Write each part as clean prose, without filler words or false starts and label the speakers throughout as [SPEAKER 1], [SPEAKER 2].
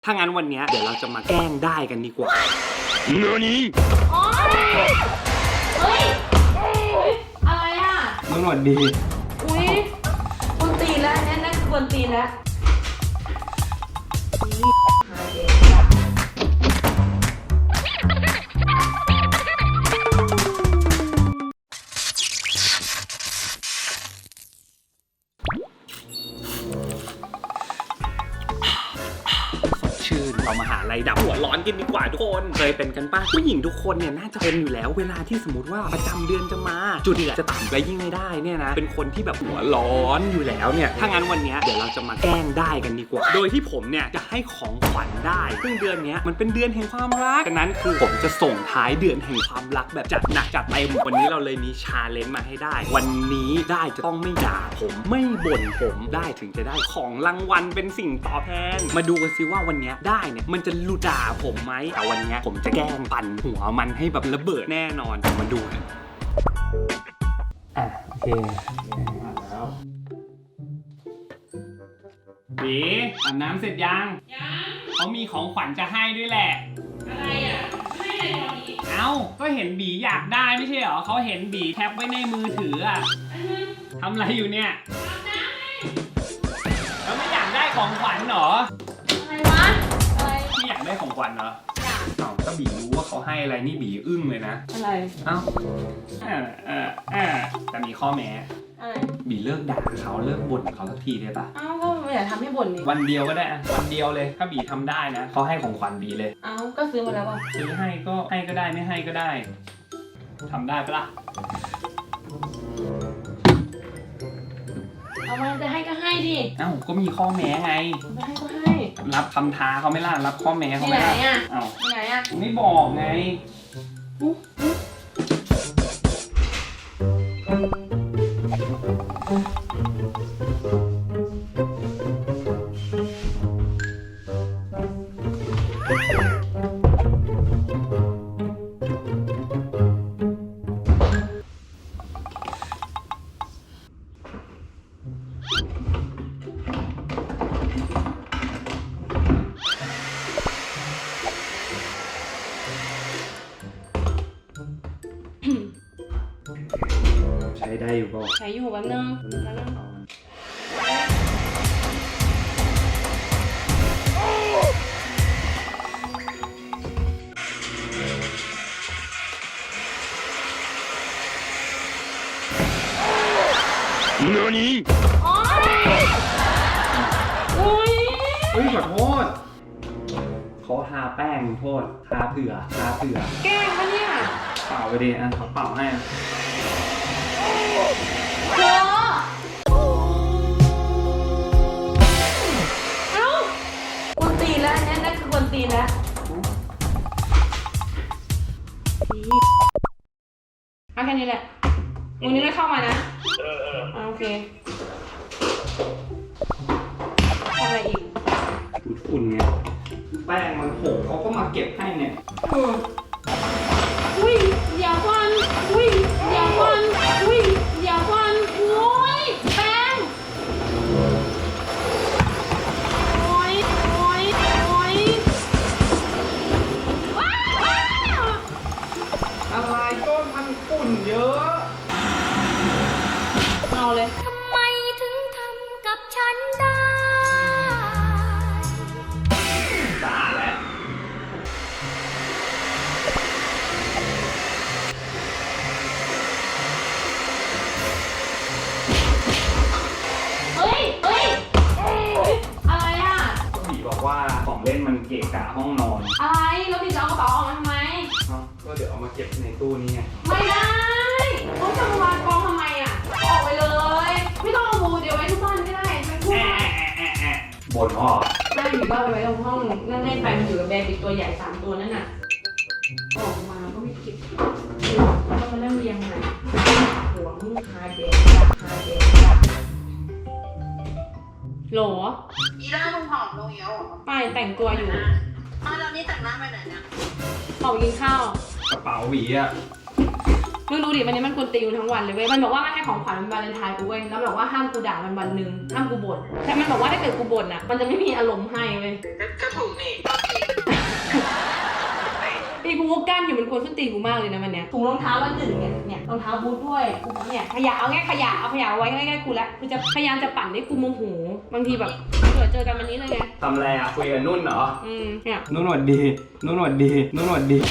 [SPEAKER 1] ถ้างั้นวันนี้เดี๋ยวเราจะมาแกล้งได้กันดีกว่า
[SPEAKER 2] 何
[SPEAKER 3] โอ๊ยเฮ้ยอะไรอ่ะ
[SPEAKER 1] มึงหวัดดี
[SPEAKER 3] อุ้ยกวนตีนแล้วนั่นคือกวนตีนแล้ว
[SPEAKER 1] เรามาหาอะไรดับหัวร้อนกันดีกว่าทุกคนเคยเป็นกันป่ะผู้หญิงทุกคนเนี่ยน่าจะเป็นอยู่แล้วเวลาที่สมมติว่าประจำเดือนจะมาจุดที่จะต่ำไปยิ่งไม่ได้เนี่ยนะเป็นคนที่แบบหัวร้อนอยู่แล้วเนี่ยถ้างั้นวันนี้เดี๋ยวเราจะมาแกล้งได้กันดีกว่าโดยที่ผมเนี่ยจะให้ของขวัญได้ซึ่งเดือนนี้มันเป็นเดือนแห่งความรักฉะนั้นคือผมจะส่งท้ายเดือนแห่งความรักแบบจัดหนักจัดเต็มวันนี้เราเลยมีชาเลนจ์มาให้ได้วันนี้ได้จะต้องไม่ด่าผมไม่บ่นผมได้ถึงจะได้ของรางวัลเป็นสิ่งตอบแทนมาดูกันซิว่าวันนี้ได้เนี่ยมันจะลุด่าผมไหมแต่วันนี้ผมจะแกล้งปั่นหัวมันให้แบบระเบิดแน่นอนมาดูกันโอเคแล้วบีอาบน้ำเสร็จยังเขามีของขวัญจะให้ด้วยแหละ
[SPEAKER 3] อะไรอ่ะไม่อะไรตอนนี้
[SPEAKER 1] เอ้าก็เห็นบีอยากได้ไม่ใช่เหรอเขาเห็นบีแคปไว้ในมือถืออะทำอะไรอยู่เนี่ยแล้วไม่อยากได้ของขวัญเหรอ
[SPEAKER 3] อะไรวะอะไร
[SPEAKER 1] ไม่อยากได้ของขวัญเหรอเอ้าก็บีรู้ว่าเขาให้อะไรนี่บีอึ้งเลยนะ
[SPEAKER 3] อะไร
[SPEAKER 1] เอ้าแต่มีข้อแม้
[SPEAKER 3] อะไร
[SPEAKER 1] บีเลิกด่าเขาเลิกบ่นเขาสักทีได้ปะ
[SPEAKER 3] เอ้าก็ไม่อยากทำให้บ่นนี่
[SPEAKER 1] วันเดียวก็ได้วันเดียวเลยถ้าบีทำได้นะเขาให้ของขวัญบีเลย
[SPEAKER 3] เอ้าก็ซื้อมาแล้วป่ะ
[SPEAKER 1] ซื้อให้ก็ได้ไม่ให้ก็ได้ทำได้ปะล่ะ
[SPEAKER 3] เอามาจะให้ก็ให้ดิ
[SPEAKER 1] เอ้าก็มีข้อแม้ไง
[SPEAKER 3] จะให้ก็ให้
[SPEAKER 1] รับคำท้าเขาไม่ล่ะรับข้อแม้เขาไม่ล่ะ
[SPEAKER 3] เอ้าไหนอ่ะ
[SPEAKER 1] ไม่บอกไงใช้ได้อยู่ป่ะ
[SPEAKER 3] ใช้อยู่แป๊บนึง
[SPEAKER 2] 何
[SPEAKER 3] โอ๊ย
[SPEAKER 1] เฮ้ยขอโทษเขาทาแป้งโทษทาเผื่อ
[SPEAKER 3] แกล้งปะเนี่ย
[SPEAKER 1] เป่าไปดิเขาเป่าให้
[SPEAKER 3] เธอเอ้ากวนตีนแล้วนั่นคือกวนตีนแล้วเอาแค่นี้แหละวันนี้ไม่เข้ามานะโอเคทำอะไรอีก
[SPEAKER 1] อุ่นไงแป้งมันโหเขาก็มาเก็บให้เนี่ย
[SPEAKER 3] อุ้ยเดี๋ยวก่อนอุ้ยเดี๋ยวก่อนอุ้ยเดี๋ยวก่อนโอ้ยแป้งโอ้ย
[SPEAKER 1] อะไรก็มันฝุ่นเยอะ
[SPEAKER 3] เอาเลย
[SPEAKER 4] ทำไมถึงทำกับฉันได้
[SPEAKER 1] สะอาดแล้ว
[SPEAKER 3] เฮ้ยอะไรอ่ะ
[SPEAKER 1] ก็บีบอกว่าของเล่นมันเกะกะห้องนอน
[SPEAKER 3] อะไรแล้วพี่จะเอากระเป๋าออกมาทำไม
[SPEAKER 1] ก็เดี๋ยวเอามาเก็บในตู้นี้ไง
[SPEAKER 3] ไม่ได้เขาจะมาวางกองทำไมอ่ะออกไปเลยไม่ต้องเอาบูเดี๋ยวไว้ทุกบ้านก็ได้ไปพูด
[SPEAKER 1] บ่นพ่อ
[SPEAKER 3] นั่งอยู่บ้านไว้ตรงห้องนั่งเล่นไปมันอยู่กับแบร์บิ๊กตัวใหญ่3ตัวนั่นน่ะออกมาก็ไม่เก็บแล้วก็มานั่งเรียงใหม่หัวมึงคาเด็กโหล
[SPEAKER 5] อีล่ามึงผอมลงเยอะหรอ
[SPEAKER 3] ไปแต่งตัวอยู่
[SPEAKER 5] ตอนนี้แต่งหน้าไปไหนเนี่ย
[SPEAKER 3] ออกกินข้าว
[SPEAKER 1] กระเป๋าหวีอะ
[SPEAKER 3] มึงดูดิวันนี้มันกวนตีนทั้งวันเลยเว้ยมันบอกว่ามันให้ของขวัญวันวาเลนไทน์กูเว้ยแล้วบอกว่าห้ามกูด่ามันวันหนึ่งห้ามกูบ่นแต่มันบอกว่าถ้าเกิดกูบ่นอ่ะมันจะไม่มีอารมณ์ให้เว้ย
[SPEAKER 5] ก็ถูกนี่
[SPEAKER 3] ปีกูกั้นอยู่มันกวนส้นตีนกูมากเลยนะวันเนี้ยถุงรองเท้าวันหนึ่งเนี่ยรองเท้าบูทด้วยกูเนี่ยขยะเอาไงขยะเอาขยะไว้ใกล้ๆกูแล้วกูจะพยายามจะปั่นให้กูโมโหบางทีแบบเจอกันวันนี้เลยไง
[SPEAKER 1] ทำอะไรอ่ะคุยกับนุ่นเหรอ
[SPEAKER 3] เนี่ย
[SPEAKER 1] นุ่นหวัดดีนุ่นหวัดดีนุ่นหวัดดี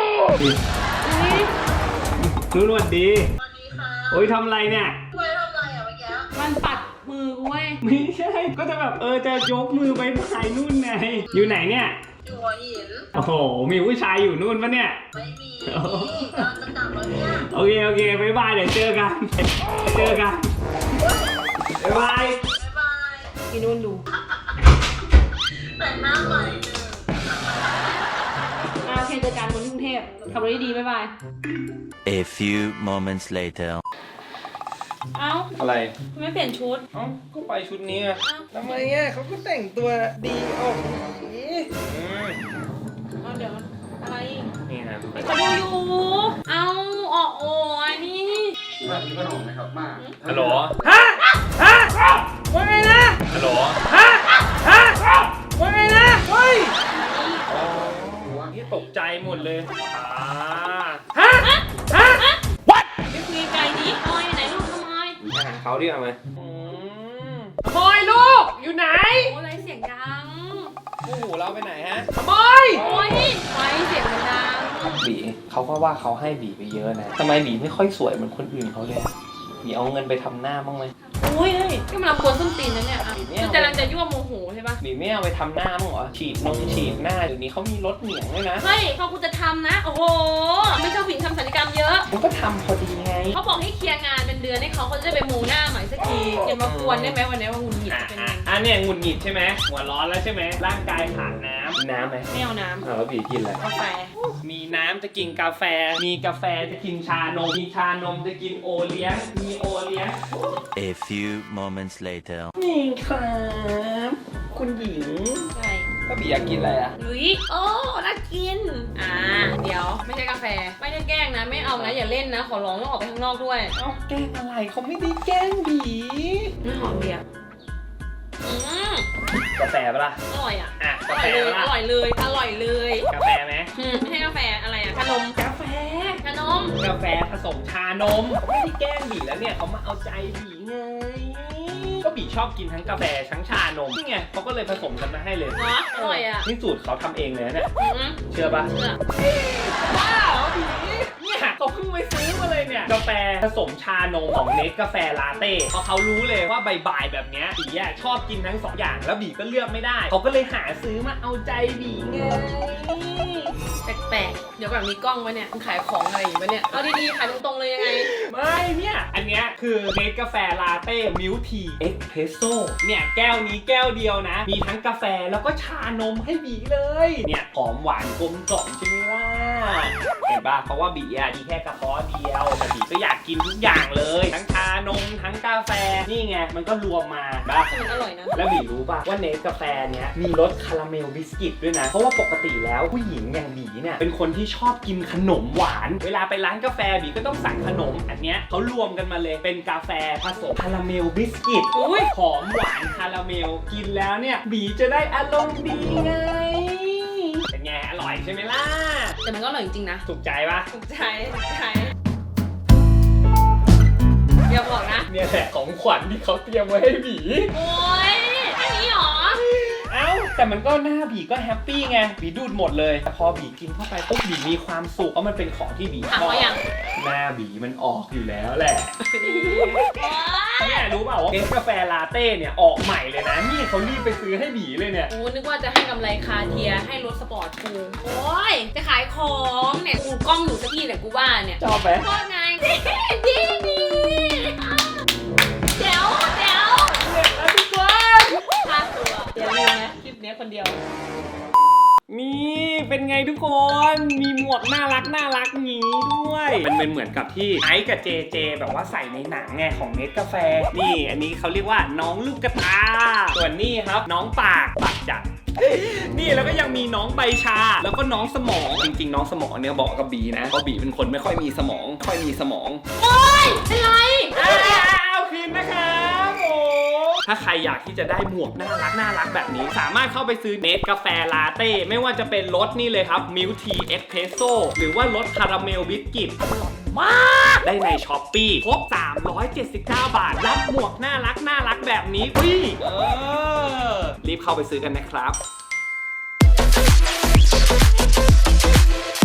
[SPEAKER 1] นุ่นหวัดดี
[SPEAKER 5] สวัสดีค่ะ
[SPEAKER 1] โอ้ยทำอะไรเนี่ย
[SPEAKER 5] ช่วยทำอะไรอ่ะเมื่อกี้
[SPEAKER 3] มันปัดมือกูเว้ย
[SPEAKER 1] ไม่ใช่ก็จะแบบจะยกมือไปพายนุ่นไงอยู่ไหนเนี่ย
[SPEAKER 5] อยู่หัวหิน
[SPEAKER 1] โอ้โหมีผู้ชายอยู่นู่นปะเนี่ย
[SPEAKER 5] ไม่มีนี่กำลังจะกลับแล้วเนี่ย
[SPEAKER 1] โอเคบ๊ายบายเดี๋ยวเจอกันบ๊ายบาย
[SPEAKER 5] บ๊ายบาย
[SPEAKER 3] อีนุ่นดู
[SPEAKER 5] แต่งหน้าใหม่
[SPEAKER 3] โอเคเจอกันบนกรุงเทพขับรถดีๆบ๊ายบาย
[SPEAKER 6] A few moments later.
[SPEAKER 3] เอ้า
[SPEAKER 1] อะไร
[SPEAKER 3] ทำไมเปลี่ยนชุด
[SPEAKER 1] เอ้าก็ไปชุดนี้ไง
[SPEAKER 7] ทำไมอ่ะเขาก็แต่งตัวดีออกสี
[SPEAKER 3] เอาเดี๋ยวอะไร
[SPEAKER 1] นี่นะ
[SPEAKER 3] เขาดูอยู่เอาออกโอ้ยนี่
[SPEAKER 1] ฮัลโหลว่าไงนะฮัลโหลว่าไงนะเฮ้ยนี่ตกใจหมดเลย
[SPEAKER 3] ไม่คุยไกลดิทำไมไหนลูกทำไม
[SPEAKER 1] หาเขาดีกว่าไหมบอยลูกอยู่ไหน
[SPEAKER 3] โอ้อะไรเสียงดัง
[SPEAKER 1] โอ้โหเราไปไหนฮะบอย
[SPEAKER 3] โอ้ยไว้เสียงมันดัง
[SPEAKER 1] บีเขาก็ว่าเขาให้บีไปเยอะนะทำไมบีไม่ค่อยสวยเหมือนคนอื่นเขาเลยบีเอาเงินไปทำหน้าบ้างไหม
[SPEAKER 3] โอ้ยนี่มันกวนส้นตีนนะเนี่ยคือกำลังจะยั่วโมโหใช่ปะ
[SPEAKER 1] บีไม่เอาไปทำหน้าบ้างเหรอฉีดหน้าเดี๋ยวนี้เขามีรถเหนียงด้วยนะ
[SPEAKER 3] เฮ้ยพอกูจะทำนะโอ้โหไม่ชอบผู้หญิงทำศัลยกรรมเยอะ
[SPEAKER 1] มันก็ทำพอดีไง
[SPEAKER 3] เขาบอกให้เคลียร์งานเป็นเดือนให้เขาจะได้ไปมูหน้าใหม่สักทีอย่ามากวนได้ไหมวันนี้ว่าหงุดหงิดเป็นไง
[SPEAKER 1] เนี่ยหงุดหงิดใช่ไหมหัวร้อนแล้วใช่ไหมร่างกายขาดน้ำไหม
[SPEAKER 3] ไม่เอาน้
[SPEAKER 1] แล้วบีกินอะไร
[SPEAKER 3] ำกาแฟ
[SPEAKER 1] มีน้ำจะกินกาแฟ มีกาแฟจะกินชานม มีชานมจะกินโอเลี้ยง มีโอเลี้ยง
[SPEAKER 6] A few moments later.
[SPEAKER 1] นี่ครับคุณหญิง
[SPEAKER 3] ใช่
[SPEAKER 1] ก็บีอยากกินอะไรอ่ะ
[SPEAKER 3] ลุยโอ้น่ากินเดี๋ยวไม่ใช่กาแฟไม่ได้แกล้งนะไม่เอานะอย่าเล่นนะขอร้องต้องออกไปข้างนอกด้วย
[SPEAKER 1] เอ้าแกล้งอะไรเขาไม่ได้แกล้งบี
[SPEAKER 3] น้ำหอมเบียร์
[SPEAKER 1] กาแฟปะล่ะ
[SPEAKER 3] อร่อยอ่ะ
[SPEAKER 1] อ่ะ
[SPEAKER 3] อก
[SPEAKER 1] า
[SPEAKER 3] ร่อ
[SPEAKER 1] แฟ
[SPEAKER 3] ยเลย
[SPEAKER 1] ปะล่ะ
[SPEAKER 3] อร่อยเลยอร่อยเลย
[SPEAKER 1] กาแฟไหม
[SPEAKER 3] ไม่ใช่กาแฟอะไรอ่ะขนม
[SPEAKER 1] กาแฟ
[SPEAKER 3] ขนม
[SPEAKER 1] กาแฟผสมชานมไม่ได้แกล้งบีแล้วเนี่ยเขามาเอาใจบีไง ก็บีชอบกินทั้งกาแฟทั้งชานมนี่ไงเขาก็เลยผสมกันมาให้เลย
[SPEAKER 3] เนาะอร่อยอ่ะ
[SPEAKER 1] นี่สูตรเขาทำเองเลยนะเนี่ย เชื่อปะ
[SPEAKER 3] เชื่อ
[SPEAKER 1] ว้าวบีเนี่ยเขาเพิ่งไปซื้อมาเลยเนี่ยกาแฟผสมชานมของเนสกาแฟลาเต้เพราะเขารู้เลยว่าบ่ายๆแบบเนี้ยบีอะชอบกินทั้งสองอย่างแล้วบีก็เลือกไม่ได้เขาก็เลยหาซื้อมาเอาใจบีไง
[SPEAKER 3] แปลกๆเดี๋ยวแบบมีกล้องวะเนี่ยมึงขายของอะไรอยู่วะเนี่ยเอาดีๆขายตรงๆเลยยังไง
[SPEAKER 1] ไม่เนี่ยอันเนี้ยคือเนสกาแฟลาเต้มิลทีเอ็กเพรสโซ่เนี่ยแก้วนี้แก้วเดียวนะมีทั้งกาแฟแล้วก็ชานมให้บีเลยเนี่ยหอมหวานกลมกล่อมใช่ไหมล่ะเห็นป่ะเพราะว่าบีอะมีแค่กระเพาะเดียวแต่บีก็อยากกินทุกอย่างเลยทั้งชานมทั้งกาแฟนี่ไงมันก็รวมมาป่ะ
[SPEAKER 3] มันอร่อยนะ
[SPEAKER 1] แล้วบีรู้ป่ะว่าเนสกาแฟเนี้ยมีรสคาราเมลบิสกิตด้วยนะเพราะว่าปกติแล้วผู้หญิงอย่างบีเนี่ยเป็นคนที่ชอบกินขนมหวานเวลาไปร้านกาแฟบีก็ต้องสั่งขนมอันเนี้ยเขารวมกันมาเลยเป็นกาแฟผสมคาราเมลบิสกิต
[SPEAKER 3] อุ้ย
[SPEAKER 1] หอมหวานคาราเมลกินแล้วเนี่ยบีจะได้อารมณ์ดีไงเป็นไงอร่อยใช่ไหมล่ะ
[SPEAKER 3] แต่มันก็อร่อยจริงๆนะ
[SPEAKER 1] ถูกใจปะ
[SPEAKER 3] ถูกใจอย่าบอกนะ
[SPEAKER 1] เนี่ยแหละของขวัญที่เขาเตรียมไว้ให้บี
[SPEAKER 3] โอ๊ยแค่นี้หรอ
[SPEAKER 1] เอ้าแต่มันก็หน้าบีก็แฮปปี้ไงบีดูดหมดเลยแต่พอบีกินเข้าไปปุ๊บบีมีความสุขเพราะมันเป็นของที่บี
[SPEAKER 3] ถาม
[SPEAKER 1] ชอบ
[SPEAKER 3] เขายัง
[SPEAKER 1] หน้าบีมันออกอยู่แล้วแหละเนี่ยรู้เปล่าว่าเนสกาแฟลาเต้เนี่ยออกใหม่เลยนะนี่เขารีบไปซื้อให้บีเลยเนี่ย
[SPEAKER 3] โอ้นึกว่าจะให้กำไรคาเทียให้รถสปอร์ตกูโอ้ยจะขายของเนี่ยกูกล้องอยู่สักที่แหละกูว่าเนี่ย
[SPEAKER 1] ชอบไหม
[SPEAKER 3] โคตรไงดีเดี๋ยว
[SPEAKER 1] ทุกคน
[SPEAKER 3] ค่าตัวอย่าลืมนะคลิปนี้คนเดียว
[SPEAKER 1] นี่เป็นไงทุกคน มีหมวกน่ารักงี้ด้วยมันเป็นเหมือนกับที่ไอซ์กับเจเจแบบว่าใส่ในหนังไงของเนสกาแฟนี่อันนี้เขาเรียกว่าน้องลูกกระตาส่วนนี่ครับน้องปากจากนี่แล้วก็ยังมีน้องใบชาแล้วก็น้องสมองจริงๆน้องสมองเนี่ยบอกกับบีนะเพราะบีเป็นคนไม่ค่อยมีสมอง
[SPEAKER 3] โอ๊ยเป็นไร
[SPEAKER 1] เอาคืนนะครับโอ้ถ้าใครอยากที่จะได้หมวกน่ารักแบบนี้สามารถเข้าไปซื้อเนสกาแฟลาเต้ไม่ว่าจะเป็นรสนี่เลยครับมิลทีเอสเพรสโซ่หรือว่ารสคาราเมลบิสกิตมากได้ในช้อปปี้ครบ379 บาทรับหมวกน่ารักแบบนี้ฟรีรีบเข้าไปซื้อกันนะครับ